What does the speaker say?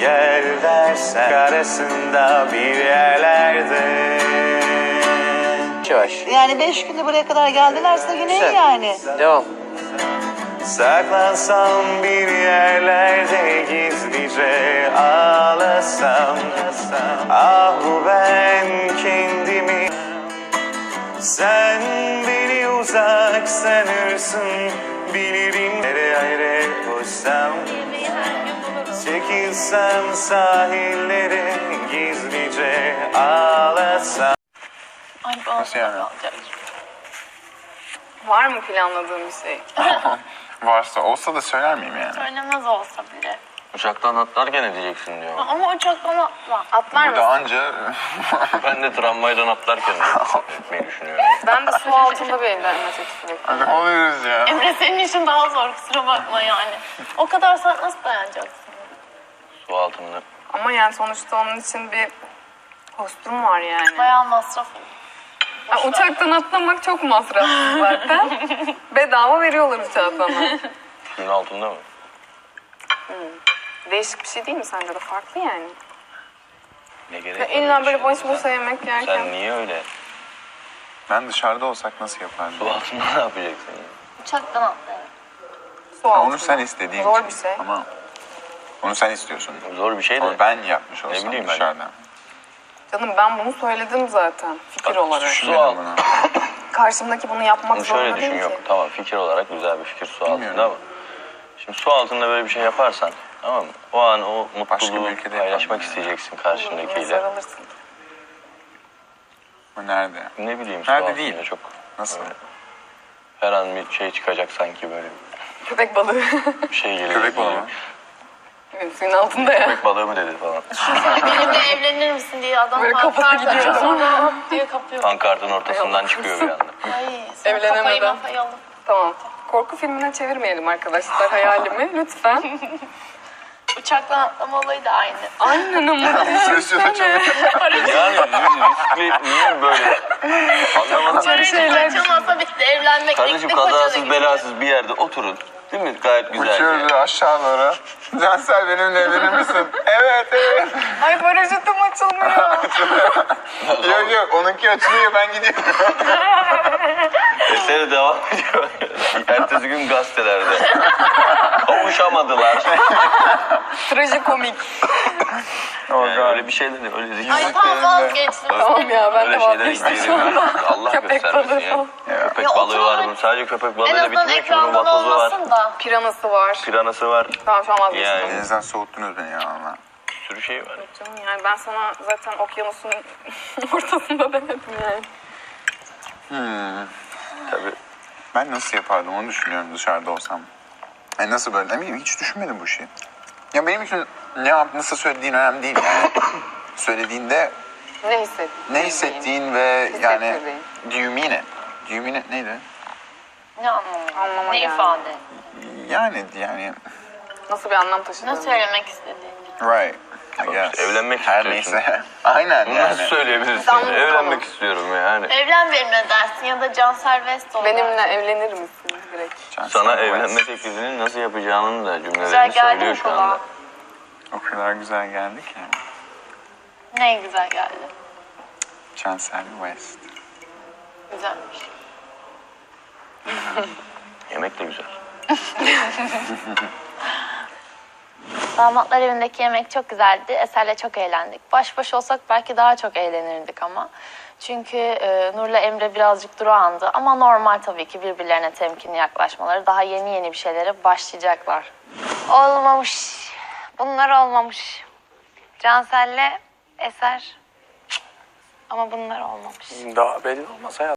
gel dersen arasında bir yerlerde. Yavaş. Yani 5 günde buraya kadar geldilerse yine iyi Güzel. yani. Devam. Saklansam bir yerlerde gizlice ağlasam. Ah ben kendimi, sen beni uzak sanırsın. Bilirim nereye koşsam, çekilsem sahillere gizlice ağlasam. Ay, Nasıl yani? Var mı planladığın bir şey? Varsa olsa da söyler miyim yani? Söylemez olsa bile. Uçaktan atlarken edeceksin diyor. Ama uçaktan atla. Atlar Burada mısın? anca Ben de tramvaydan atlarken etmeyi düşünüyorum. Ben de su altında bir evlenme teklifi bekliyorum. oluyoruz ya. Emre senin için daha zor, kusura bakma yani. O kadar saat nasıl dayanacaksın? Su altında. Ama yani sonuçta onun için bir kostüm var yani. Bayağı masraf olur. Uçaktan atlamak çok masrafsız zaten. Bedava veriyorlar uçağı sana. Suyun altında mı? Değişik bir şey değil mi sence de? Farklı yani. Ne gerek Ya var illa öyle böyle bir boş şeye? boş yemek yerken. Sen niye öyle? Ben dışarıda olsak nasıl yapardım? Su altında ne yapacaksın? Ya? Uçaktan atlayalım. Su Ya altında. onu sen istediğin Zor için. bir şey. Ama onu sen istiyorsun. Zor bir şey de. Ama ben yapmış olsam bileyim ben. dışarıda. Canım ben bunu söyledim zaten fikir Bak, olarak. Su Düşünmedim altında. bunu. Karşımdaki bunu yapmak Bunu zorunda şöyle düşün değil yok. ki. Tamam fikir olarak güzel bir fikir su altında Bilmiyorum. ama. Şimdi su altında böyle bir şey yaparsan tamam mı? O an o Başka bir mutluluğu ülkede paylaşmak yapalım. isteyeceksin Yine karşındakiyle. sarılırsın. Bu nerede? Ne bileyim su Nerede altında değil? çok. Nasıl? Öyle. Her an bir şey çıkacak sanki böyle Köpek balığı. bir şey geliyor. Köpek balığı mı? Evet, suyun altında ya. Köpek balığı mı dedi falan. Benimle evlenir misin diye adam Böyle kafası pankart gidiyor. açıyor, sonra hop diye kapıyor. Pankartın ortasından çıkıyor bir anda. Ay, sonra Evlenemeden. kafayı alıp. Tamam. Korku filmine çevirmeyelim arkadaşlar hayalimi lütfen. Uçaktan atlama olayı da aynı. Aynen ama. Sözcüğü Yani riskli niye böyle? Anlamadım. Şeyler açılmasa bitti, evlenmek Kardeşim bitti, koca da kazasız gitti. belasız bir yerde oturun. Değil mi? Gayet güzel. Uçuyoruz aşağı doğru. Cansel benimle evlenir misin? Evet evet. Ay paraşütüm açılmıyor. Yok yok onunki açılıyor ben gidiyorum. Eseri devam ediyor. Ertesi gün gazetelerde. Kavuşamadılar. Trajikomik. Oh Yani God. öyle bir şeyler de öyle zikir. Ay tamam vazgeçtim. Tamam ya ben Öyle de şeyler vazgeçtim izleyelim. şu anda. Allah Köpek göstermesin balığı ya. falan. Köpek Ya balığı var oturun. bunun. Sadece köpek En balığıyla azından bitmiyor ki. Bunun ekrandan vatozu var. olmasın da. Piranası var. Piranası var. Tamam şu an vazgeçtim. Yani Denizden soğuttunuz beni ya valla. bir sürü şey var. Canım yani ben sana zaten okyanusun ortasında demedim yani. Tabii. Ben nasıl yapardım onu düşünüyorum dışarıda olsam. Yani nasıl böyle ne bileyim hiç düşünmedim bu şeyi. Ya benim için ne yap nasıl söylediğin önemli değil yani. Söylediğinde Ne hissettin? ne hissettiğin ve yani Hissettirdiğin. do you mean it? Do you mean it neydi? Ne anlamı? Anlama Ne geldi. ifade? Yani Nasıl bir anlam taşıdığını. Ne söylemek istediğini. right I guess. işte evlenmek Her istiyorsun. neyse. Aynen Bunu yani. nasıl söyleyebilirsin? Tam bu Evlenmek konu. istiyorum yani. Evlen benimle dersin ya da Cansel West ol. Benimle evlenir misin direkt? Sana evlenme teklifini nasıl yapacağının da Güzel cümlelerini geldi söylüyor mi şu anda. kulağa? O kadar güzel geldi ki. Ne güzel geldi. Cansel West. Güzelmiş. Yemek de güzel. Damatlar evindeki yemek çok güzeldi. Eser'le çok eğlendik. Baş başa olsak belki daha çok eğlenirdik ama. Çünkü Nur'la Emre birazcık durağandı. Ama normal tabii ki birbirlerine temkinli yaklaşmaları. Daha yeni yeni bir şeylere başlayacaklar. Olmamış. Bunlar olmamış. Cansel'le Eser. Ama bunlar olmamış. Daha belli olmaz hayatım.